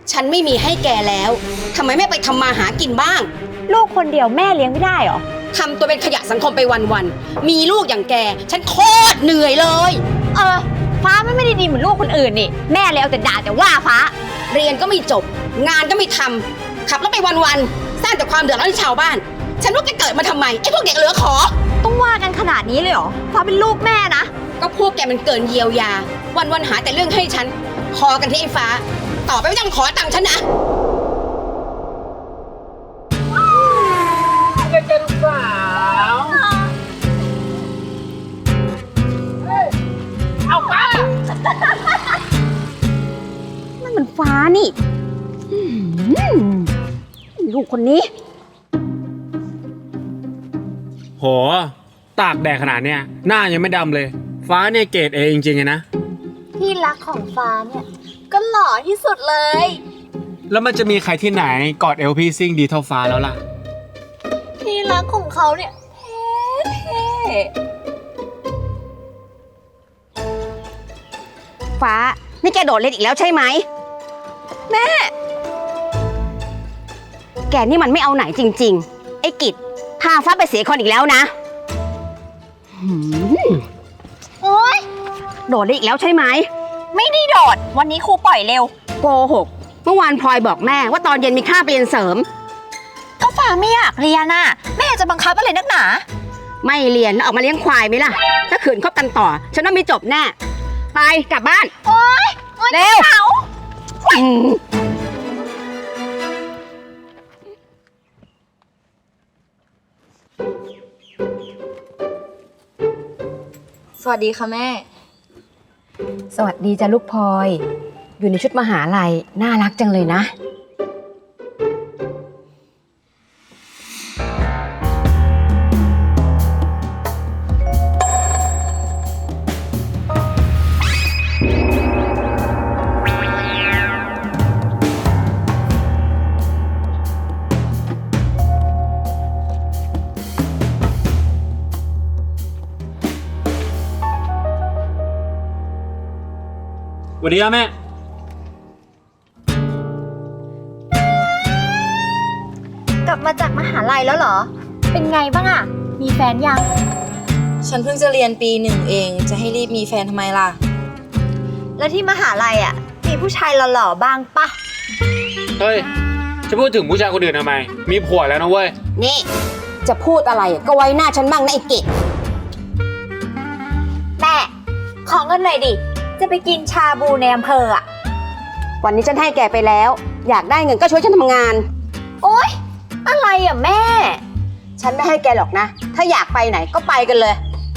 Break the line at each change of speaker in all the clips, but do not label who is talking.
ฉันไม่มีให้แกแล้วทำไมไม่ไปทำมาหากินบ้าง
ลูกคนเดียวแม่เลี้ยงไม่ได้หรอ
ทำตัวเป็นขยะสังคมไปวันๆมีลูกอย่างแกฉันโคตรเหนื่อยเลย
ฟ้าไม่ได้ดีเหมือนลูกคนอื่นนี่แม่เลยเอาแต่ด่าแต่ว่าฟ้า
เรียนก็ไม่จบงานก็ไม่ทำขับรถไปวันๆสร้างแต่ความเดือดร้อนให้ชาวบ้านฉันว่าแกเกิดมาทำไมไอ้พวกเด็กเหลือขอ
ต้องว่ากันขนาดนี้เลยเหรอฟ้าเป็นลูกแม่นะ
ก็พวกแกมันเกินเยียวยาวันหาแต่เรื่องให้ฉันขอกันที่ไอ้ฟ้าต่อไปไม่ต้องขอตังค์ฉันนะ
กันสาวเอาป้า
นั่นมันฟ้านี่ลูกคนนี้
โหตากแดดขนาดเนี้ยหน้ายังไม่ดำเลยฟ้าเนี่ยเกรดเอจริงๆนะ
ที่รักของฟ้าเนี่ยก็หล่อที่สุดเลย
แล้วมันจะมีใครที่ไหนกอดเอลพี่ซิ่งดีเท่าฟ้าแล้วล่ะ
ที่รักของเขาเนี่ยเท่
ฟ้านี่แกโดดเล่นอีกแล้วใช่ไหม
แม่
แกนี่มันไม่เอาไหนจริงๆไอ้กิจพาฟ้าไปเสียคนอีกแล้วนะ
โอ๊ย
โดดเล่นอีกแล้วใช่ไหม
ไม่ได้โดดวันนี้ครูปล่อยเร็ว
โกหกเมื่อวานพลอยบอกแม่ว่าตอนเย็นมีคาบเรียนเสริม
ก็ฟ้าไม่อยากเรียนน่ะแม่จะบังคับอะไรนักหนา
ไม่เรียนแล้วออกมาเลี้ยงควายไหมล่ะถ้าขืนคบกันต่อฉันว่าไม่จบแน่ไปกลับบ้าน
โอ๊ย
เร็ว
สวัสดีค่ะแม่
สวัสดีจ้ะลูกพลอยอยู่ในชุดมหาลัยน่ารักจังเลยนะ
สวัสดีครับแม่
กลับมาจากมหาลัยแล้วเหรอเป็นไงบ้างอะมีแฟนยัง
ฉันเพิ่งจะเรียนปี 1เองจะให้รีบมีแฟนทำไมล่ะ
แล้วที่มหาลัยอะมีผู้ชายหล่อๆบ้างปะ
เฮ้ยจะพูดถึงผู้ชายคนอื่นทำไมมีผัวแล้วนะเว้ย
นี่จะพูดอะไรก็ไว้หน้าฉันบ้างนะไอ้เกศ
แม่ขอเงินหน่อยดิจะไปกินชาบูในอำเภออะ
วันนี้ฉันให้แกไปแล้วอยากได้เงินก็ช่วยฉันทำงาน
โอ๊ยอะไรอะแม่
ฉันไม่ให้แกหรอกนะถ้าอยากไปไหนก็ไปกันเลย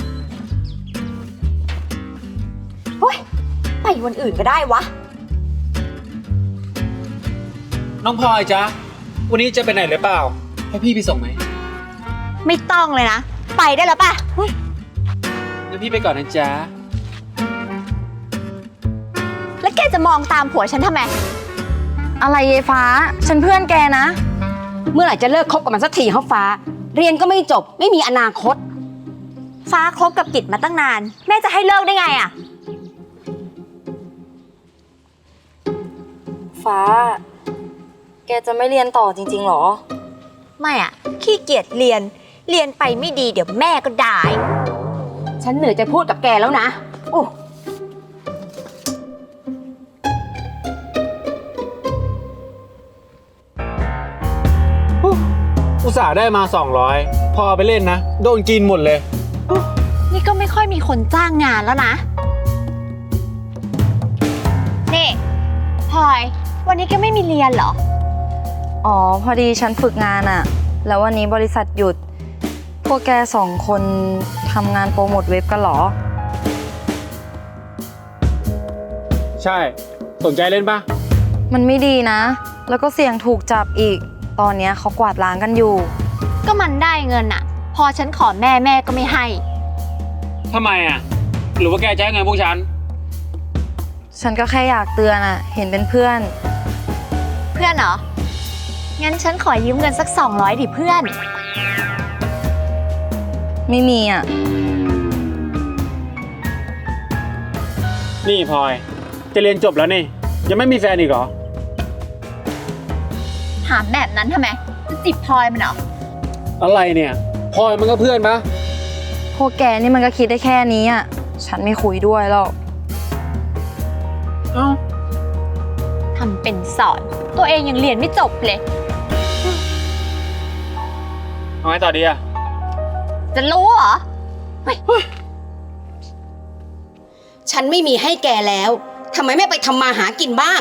โอ๊ยไปวันอื่นก็ได้วะ
น้องพลอยจ๊ะวันนี้จะไปไหนหรือเปล่าให้พี่ไปส่งไหม
ไม่ต้องเลยนะไปได้แล้วป่ะ
งั้นพี่ไปก่อนนะจ๊ะ
แล้วแกจะมองตามผัวฉันทำไม
อะไรเยฟ้าฉันเพื่อนแกนะ
เมื่อไหร่จะเลิกคบกับมันสักทีเขาฟ้าเรียนก็ไม่จบไม่มีอนาคต
ฟ้าคบกับกิจมาตั้งนานแม่จะให้เลิกได้ไงอะ
ฟ้าแกจะไม่เรียนต่อจริงๆหรอ
ไม่อะขี้เกียจเรียนไปไม่ดีเดี๋ยวแม่ก็ด่า
ฉันเหนื่อยจะพูดกับแกแล้วนะโอ้
อุตส่าห์ได้มา200พอไปเล่นนะโดนกินหมดเลย
นี่ก็ไม่ค่อยมีคนจ้างงานแล้วนะนี่พลอยวันนี้แกไม่มีเรียนเหรอ
อ๋อพอดีฉันฝึกงานอะแล้ววันนี้บริษัทหยุดพวกแก2คนทำงานโปรโมทเว็บกันเหรอ
ใช่สนใจเล่นปะ
มันไม่ดีนะแล้วก็เสี่ยงถูกจับอีกตอนนี้เขากวาดล้างกันอยู่
ก็มันได้เงินอะพอฉันขอแม่ก็ไม่ให้
ทำไมอะหรือว่าแกจะให้เงินพวกฉัน
ก็แค่อยากเตือนอะเห็นเป็นเพื่อน
เหรองั้นฉันขอยืมเงินสัก200ดิเพื่อน
ไม่มีอะ
นี่พลอยจะเรียนจบแล้วนี่ยังไม่มีแฟนอีกเหรอ
ถามแบบนั้นทำไมจะจีบพลอยมันเหรอ
อะไรเนี่ยพลอยมันก็เพื่อนปะ
พวกแกนี่มันก็คิดได้แค่นี้อ่ะ ฉันไม่คุยด้วยหรอก
เอ้า
ทำเป็นสอน ตัวเองยังเรียนไม่จบเลย
เอาไงต่อดีอะ
จะรู้เหรอ
ฉันไม่มีให้แกแล้วทำไมไม่ไปทำมาหากินบ้าง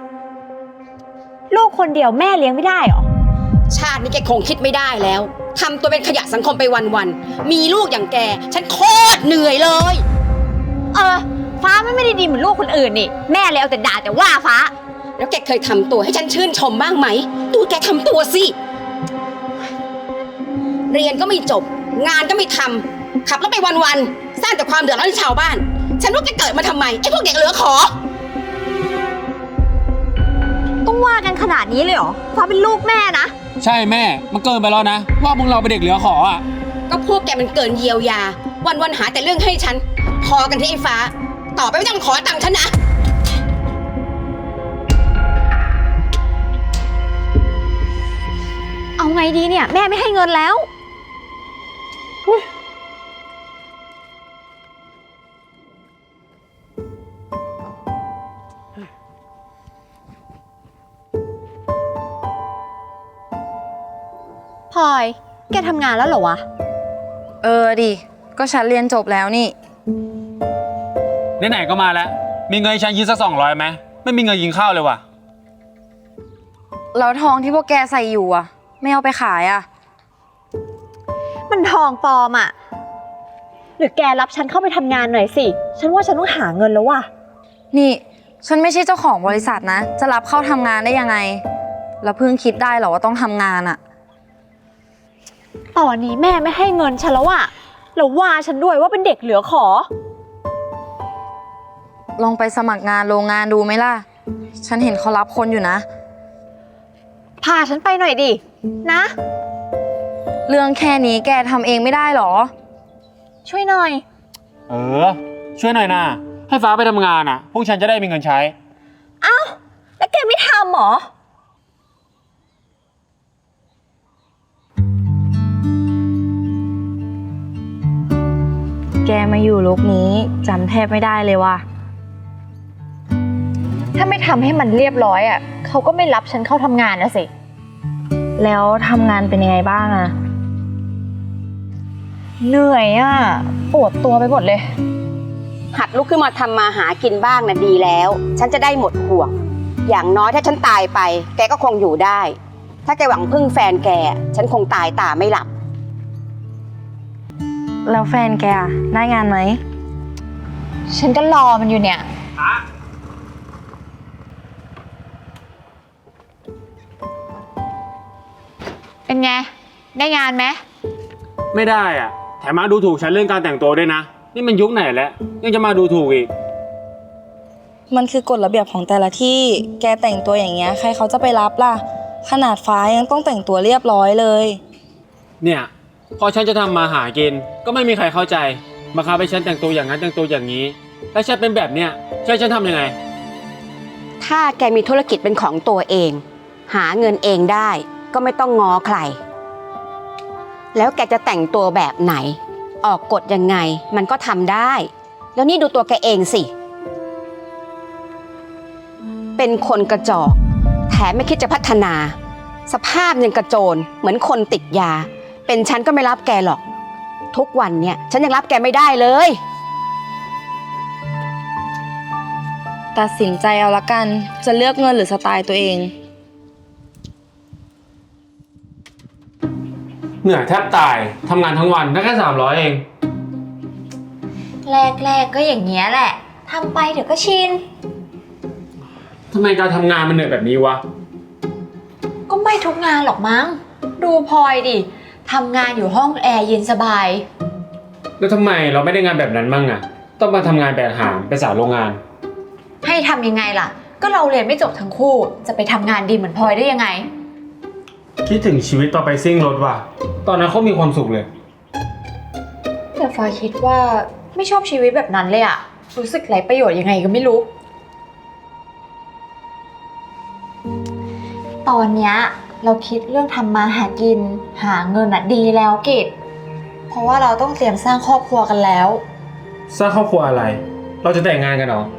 ลูกคนเดียวแม่เลี้ยงไม่ได้เหรอ
ชาตินี้แกคงคิดไม่ได้แล้วทำตัวเป็นขยะสังคมไปวันๆมีลูกอย่างแก ฉันโคตรเหนื่อยเลย
ฟ้าไม่ได้ดีเหมือนลูกคนอื่นนี่ แม่เลยเอาแต่ด่าแต่ว่าฟ้า
แล้วแกเคยทำตัวให้ฉันชื่นชมบ้างไหมดูแกทำตัวสิเรียนก็ไม่จบ งานก็ไม่ทำขับรถไปวันๆสร้างแต่ความเดือดร้อนให้ชาวบ้าน ฉันว่าแกเกิดมาทำไมไอ้พวกเด็กเหลือขอ
ต้องว่ากันขนาดนี้เลยเหรอ ฟ้าเป็นลูกแม่นะ
ใช่แม่มันเกินไปแล้วนะว่าพวกเราเป็นเด็กเหลือขออะ
ก็พวกแกมันเกินเยียวยา วันๆหาแต่เรื่องให้ฉัน พอกันที่ไอ้ฟ้า ต่อไปไม่ต้องขอตังค์ฉันนะ
เอาไงดีเนี่ย แม่ไม่ให้เงินแล้วพลอย แกทำงานแล้วเหรอวะ
เออดิ ก็ฉันเรียนจบแล้วนี่
ไหนๆก็มาแล้วมีเงินให้ฉันยืมสัก200ไหมไม่มีเงินกินข้าวเลยว่ะ
แล้วทองที่พวกแกใส่อยู่อ่ะ ไม่เอาไปขายอ่ะ
มันทองปลอมอะหรือแกรับฉันเข้าไปทำงานหน่อยสิ ฉันว่าฉันต้องหาเงินแล้วว่ะ
นี่ ฉันไม่ใช่เจ้าของบริษัทนะ จะรับเข้าทำงานได้ยังไง แล้วเพิ่งคิดได้เหรอว่าต้องทำงานอ่ะ
ตอนนี้แม่ไม่ให้เงินฉันแล้วอะแล้วว่าฉันด้วยว่าเป็นเด็กเหลือขอ
ลองไปสมัครงานโรงงานดูไหมล่ะ ฉันเห็นเขารับคนอยู่นะ
พาฉันไปหน่อยดิ นะ
เรื่องแค่นี้แกทำเองไม่ได้หรอ
ช่วยหน่อย
เออช่วยหน่อยนะให้ฟ้าไปทำงานอะพวกฉันจะได้มีเงินใช้
เอ้า แล้วแกไม่ทำหรอ
แกมาอยู่โลกนี้จำแทบไม่ได้เลยว่ะ
ถ้าไม่ทำให้มันเรียบร้อยอะเขาก็ไม่รับฉันเข้าทำงานนะสิ
แล้วทำงานเป็นยังไงบ้างอะ
เหนื่อยอะปวดตัวไปหมดเลย
หัดลุกขึ้นมาทำมาหากินบ้างนะดีแล้ว ฉันจะได้หมดห่วง อย่างน้อยถ้าฉันตายไป แกก็คงอยู่ได้ ถ้าแกหวังพึ่งแฟนแก ฉันคงตายตาไม่หลับ
แล้วแฟนแกอะได้งานไหม
ฉันก็รอมันอยู่เนี่ย เป็นไง ได้งานไหม
ไม่ได้อะแถมมาดูถูกฉันเรื่องการแต่งตัวด้วยนะนี่มันยุคไหนแล้วยังจะมาดูถูกอีก
มันคือกฎระเบียบของแต่ละที่ แกแต่งตัวอย่างเงี้ยใครเขาจะไปรับล่ะ ขนาดฟ้ายังต้องแต่งตัวเรียบร้อยเลย
เนี่ยพอฉันจะทำมาหากินก็ไม่มีใครเข้าใจมาคับให้ฉันแต่งตัวอย่างนั้นแต่งตัวอย่างนี้แล้วฉันเป็นแบบเนี้ยฉันทำยังไง
ถ้าแกมีธุรกิจเป็นของตัวเอง หาเงินเองได้ ก็ไม่ต้องง้อใคร แล้วแกจะแต่งตัวแบบไหน ออกกฎยังไงมันก็ทำได้ แล้วนี่ดูตัวแกเองสิ เป็นคนกระจอกแถมไม่คิดจะพัฒนา สภาพยังกระโจนเหมือนคนติดยา เป็นฉันก็ไม่รับแกหรอก ทุกวันเนี่ยฉันยังรับแกไม่ได้เลย
ตัดสินใจเอาละกัน จะเลือกเงินหรือสไตล์ตัวเอง
เหนื่อยแทบตายทำงานทั้งวันได้แค่300เอง
แรกๆก็อย่างเงี้ยแหละ ทำไปเดี๋ยวก็ชิน
ทำไมการทำงานมันเหนื่อยแบบนี้วะ
ก็ไม่ทุกงานหรอกมั้ง ดูพลอยดิ ทำงานอยู่ห้องแอร์เย็นสบาย
แล้วทำไมเราไม่ได้งานแบบนั้นมั่งอะต้องมาทำงานแบกหามไปสาวโรงงาน
ให้ทำยังไงล่ะ ก็เราเรียนไม่จบทั้งคู่ จะไปทำงานดีเหมือนพลอยได้ยังไง
คิดถึงชีวิตตอนไปซิ่งรถว่ะตอนนั้นเขามีความสุขเลย
แต่พลอยคิดว่าไม่ชอบชีวิตแบบนั้นเลยอะรู้สึกไร้ประโยชน์ยังไงก็ไม่รู้ ตอนเนี้ยเราคิดเรื่องทำมาหากิน หาเงินอะดีแล้วกิจเพราะว่าเราต้องเตรียมสร้างครอบครัวกันแล้ว
สร้างครอบครัวอะไร เราจะแต่งงานกันเหรอ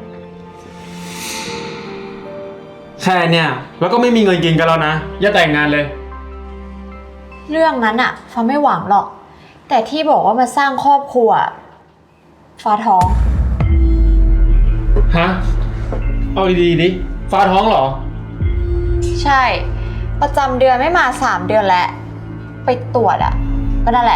แค่เนี่ยแล้วก็ไม่มีเงินกินกันแล้วนะ อย่าแต่งงานเลย
เรื่องนั้นอะฟ้าไม่หวังหรอก แต่ที่บอกว่ามาสร้างครอบครัวฟ้าท้อง
ฮะ เอาดีๆดิ ฟ้าท้องเหรอ
ใช่ ประจำเดือนไม่มา3 เดือนแล้ว ไปตรวจอะก็นั่นแหละ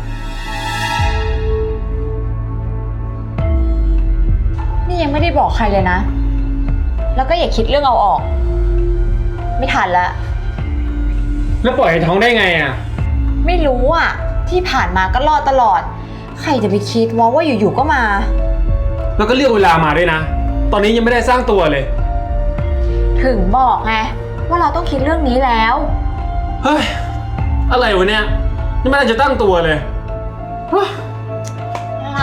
นี่ยังไม่ได้บอกใครเลยนะ แล้วก็อย่าคิดเรื่องเอาออก ไม่ทันแล้ว
แล้วปล่อยให้ท้องได้ไงอ่ะ
ไม่รู้อ่ะ ที่ผ่านมาก็รอดตลอด ใครจะไปคิดว่าอยู่ๆก็มา
แล้วก็เลือกเวลามาด้วยนะ ตอนนี้ยังไม่ได้สร้างตัวเลย
ถึงบอกไงว่าเราต้องคิดเรื่องนี้แล้ว
เฮ้ย อะไรวะเนี่ยยังไม่ได้จะตั้งตัวเลยเฮ้ย
อะไร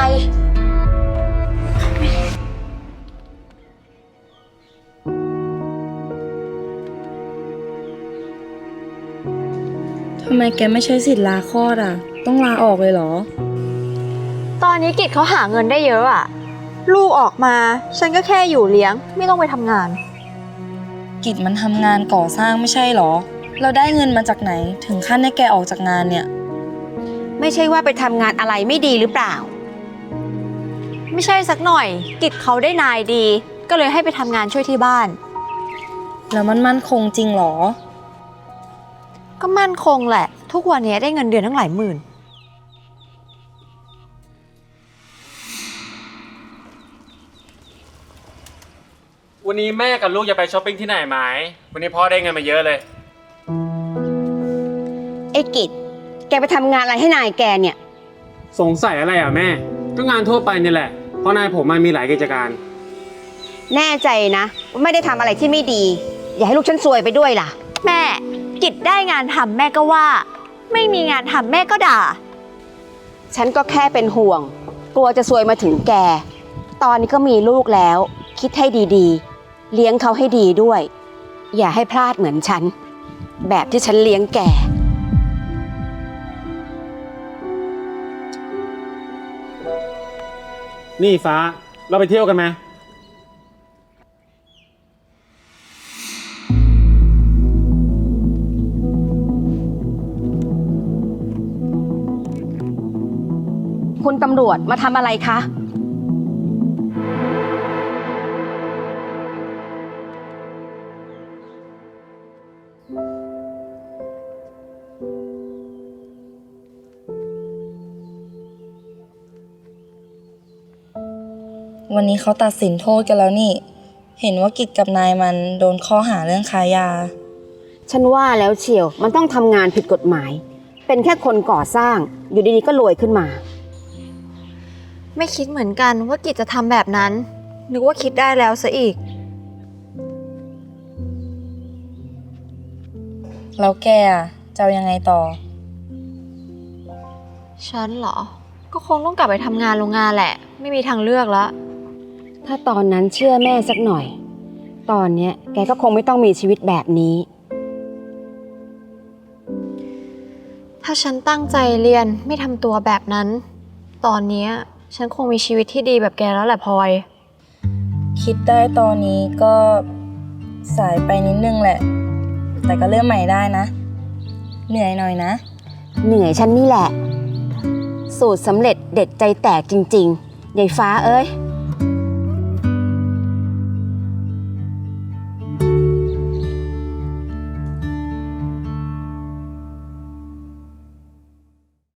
ทำไมแกไม่ใช้สิทธิ์ลาคลอดอ่ะ ต้องลาออกเลยเหรอ
ตอนนี้กิจเขาหาเงินได้เยอะอ่ะ ลูกออกมา ฉันก็แค่อยู่เลี้ยง ไม่ต้องไปทำงาน
กิจมันทำงานก่อสร้างไม่ใช่เหรอ เราได้เงินมาจากไหนถึงขั้นให้แกออกจากงานเนี่ย
ไม่ใช่ว่าไปทำงานอะไรไม่ดีหรือเปล่า
ไม่ใช่สักหน่อย กิจเขาได้นายดี ก็เลยให้ไปทำงานช่วยที่บ้าน
แล้วมันมั่นคงจริงเหรอ
ก็มั่นคงแหละ ทุกวันนี้ได้เงินเดือนตั้งหลายหมื่น
วันนี้แม่กับลูกจะไปช้อปปิ้งที่ไหนไหม วันนี้พ่อได้เงินมาเยอะเลย
ไอ้กิจแกไปทำงานอะไรให้นายแกเนี่ย
สงสัยอะไรอ่ะแม่ ก็งานทั่วไปนี่แหละ เพราะนายผมมันมีหลายกิจการ
แน่ใจนะว่าไม่ได้ทำอะไรที่ไม่ดี อย่าให้ลูกฉันซวยไปด้วยล่ะ
แม่ กิจได้งานทำแม่ก็ว่า ไม่มีงานทำแม่ก็ด่า
ฉันก็แค่เป็นห่วง กลัวจะซวยมาถึงแก ตอนนี้ก็มีลูกแล้ว คิดให้ดีๆ เลี้ยงเขาให้ดีด้วย อย่าให้พลาดเหมือนฉัน แบบที่ฉันเลี้ยงแก
นี่ฟ้า เราไปเที่ยวกันไหม
คุณตำรวจมาทำอะไรคะ
วันนี้เขาตัดสินโทษกันแล้วนี่ เห็นว่ากิจกับนายมันโดนข้อหาเรื่องค้ายา
ฉันว่าแล้วเชียว มันต้องทำงานผิดกฎหมาย เป็นแค่คนก่อสร้าง อยู่ดีๆก็รวยขึ้นมา
ไม่คิดเหมือนกันว่ากิจจะทำแบบนั้น นึกว่าคิดได้แล้วซะอีก
แล้วแกอ่ะจะเอายังไงต่อ
ฉันเหรอ ก็คงต้องกลับไปทำงานโรงงานแหละ ไม่มีทางเลือกแล้ว
ถ้าตอนนั้นเชื่อแม่สักหน่อย ตอนเนี้ยแกก็คงไม่ต้องมีชีวิตแบบนี้
ถ้าฉันตั้งใจเรียนไม่ทำตัวแบบนั้น ตอนเนี้ยฉันคงมีชีวิตที่ดีแบบแกแล้วแหละพลอย
คิดได้ตอนนี้ก็สายไปนิดนึงแหละ แต่ก็เริ่มใหม่ได้นะ เหนื่อยหน่อยนะ
เหนื่อยฉันนี่แหละ สูตรสำเร็จเด็ดใจแตกจริงๆยายฟ้าเอ้ย